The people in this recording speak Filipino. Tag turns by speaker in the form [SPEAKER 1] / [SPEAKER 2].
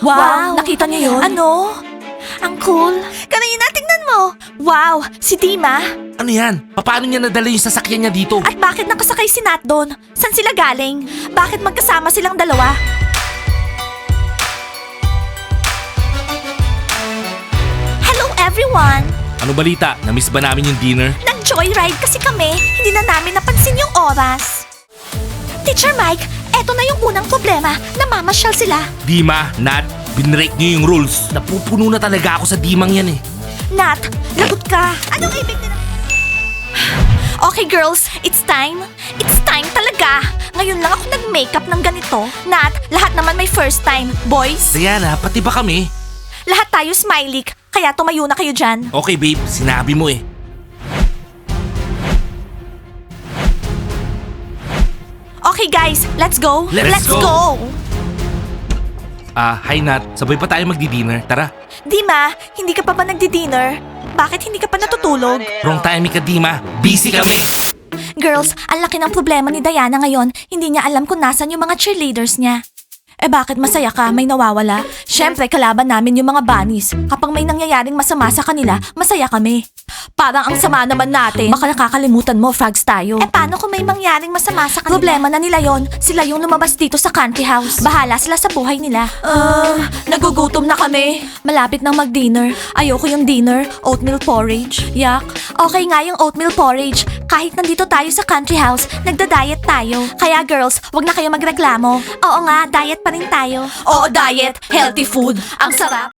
[SPEAKER 1] Wow, nakita niyo yun? Ano? Ang cool. Kanina, tingnan mo. Wow, si Dima.
[SPEAKER 2] Ano yan? Paano niya nadala yung sasakyan niya dito?
[SPEAKER 1] At bakit nakasakay si Nat doon? San sila galing? Bakit magkasama silang dalawa? Hello everyone!
[SPEAKER 2] Ano balita? Namiss ba namin yung dinner?
[SPEAKER 1] Nag-joyride kasi kami. Hindi na namin napansin yung oras. Teacher Mike, eto na yung unang problema. Namamasyal sila.
[SPEAKER 2] Dima, Nat, binrake niyo yung rules. Napupuno na talaga ako sa dimang yan eh.
[SPEAKER 1] Nat, lagot ka. Anong ibig nila? Okay girls, it's time. It's time talaga. Ngayon lang ako nag-makeup ng ganito. Nat, lahat naman may first time. Boys,
[SPEAKER 2] Diana, pati ba kami?
[SPEAKER 1] lahat tayo smiley. Kaya tumayo na kayo dyan.
[SPEAKER 2] Okay babe, sinabi mo eh.
[SPEAKER 1] Okay guys, let's go.
[SPEAKER 2] Let's
[SPEAKER 1] go.
[SPEAKER 2] go. Hi Nat, sabay pa tayo magdi-dinner. Tara.
[SPEAKER 1] Dima, hindi ka pa ba nagdi-dinner? Bakit hindi ka pa natutulog?
[SPEAKER 2] Wrong timing ka, Dima. Busy kami.
[SPEAKER 1] Girls, ang laki ng problema ni Diana ngayon. Hindi niya alam kung nasan yung mga cheerleaders niya. Eh bakit masaya ka? May nawawala? Siyempre, kalaban namin yung mga bunnies. Kapag may nangyayaring masama sa kanila, masaya kami. Parang ang sama naman natin. Baka nakakalimutan mo, frogs tayo. Eh paano kung may mangyaring masama sa kanila? Problema na nila yon. Sila yung lumabas dito sa country house. Bahala sila sa buhay nila. Nagugutom na kami. Malapit nang mag-dinner. Ayoko yung dinner. Oatmeal porridge. Yak. Okay nga yung oatmeal porridge. Kahit nandito tayo sa country house, nagda-diet tayo. Kaya girls, wag na kayo magreklamo. Oo nga, diet pa rin tayo. Oo, diet. Healthy food. Ang sarap.